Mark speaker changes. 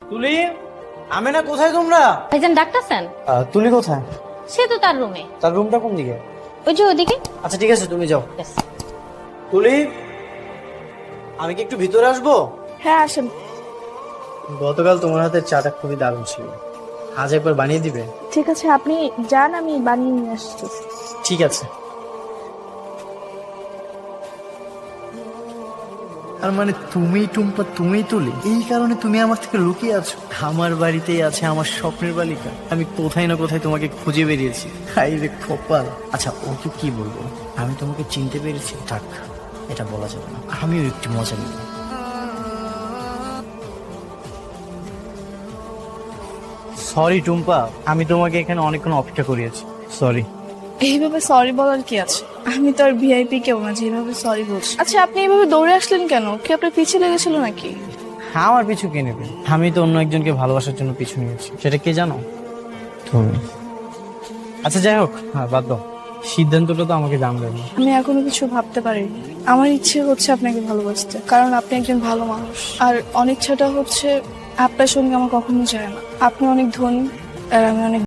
Speaker 1: তুলি, আমেনা কোথায় তোমরা?
Speaker 2: ভাইজান ডাকতেছেন?
Speaker 1: তুলি কোথায়?
Speaker 2: সে তো তার রুমে।
Speaker 1: তার রুমটা কোন দিকে?
Speaker 2: ওই যে ওদিকে।
Speaker 1: আচ্ছা ঠিক আছে, তুমি যাও।
Speaker 2: Yes.
Speaker 1: তুলি, আমি কি একটু ভিতরে আসবো?
Speaker 3: হ্যাঁ আসেন।
Speaker 1: গতকাল তোমার হাতের চাটা খুবই দারুণ ছিল, আজ একবার বানিয়ে দিবে?
Speaker 3: ঠিক আছে, আপনি যান, আমি বানিয়ে নিয়ে আসছি।
Speaker 1: ঠিক আছে। আর মানে তুমি টুম্পা, তুমি তুলি, এই কারণে তুমি আমার থেকে লুকিয়ে আছো? আমার বাড়িতেই আছে আমার স্বপ্নের বালিকা, আমি কোথায় না কোথায় তোমাকে খুঁজে বেরিয়েছি। হাই রে কপাল। আচ্ছা ও তো কি বলবো, আমি তোমাকে চিনতে পেরেছি, থাক এটা বলা যাবে না, আমিও একটু মজা নিব। সরি টুম্পা, আমি তোমাকে এখানে অনেকক্ষণ অপেক্ষা করিয়েছি, সরি।
Speaker 3: এইভাবে সরি বলার কি আছে? আমি তো আর ভিআইপি কেউ না যেভাবে সরি বলছি। আচ্ছা আপনি এইভাবে দৌড়ে আসলেন কেন? কি আপনার পিছিয়ে লেগেছিল নাকি?
Speaker 1: হ্যাঁ, আমার পিছু কে নেবে? আমি তো অন্য একজনকে ভালোবাসার জন্য পিছু নিয়েছি, সেটা কে জানো? তুমি। আচ্ছা যাই হোক, হ্যাঁ বাদ দাও, সিদ্ধান্তটা তো আমাকে জানবে না।
Speaker 3: আমি এখনো কিছু ভাবতে পারিনি। আমার ইচ্ছে হচ্ছে আপনাকে ভালোবাসতে, কারণ আপনি একজন ভালো মানুষ। আর অনিচ্ছাটা হচ্ছে আপনার সঙ্গে আমার কখনো যায় না। আপনি অনেক ধনী আর আমি অনেক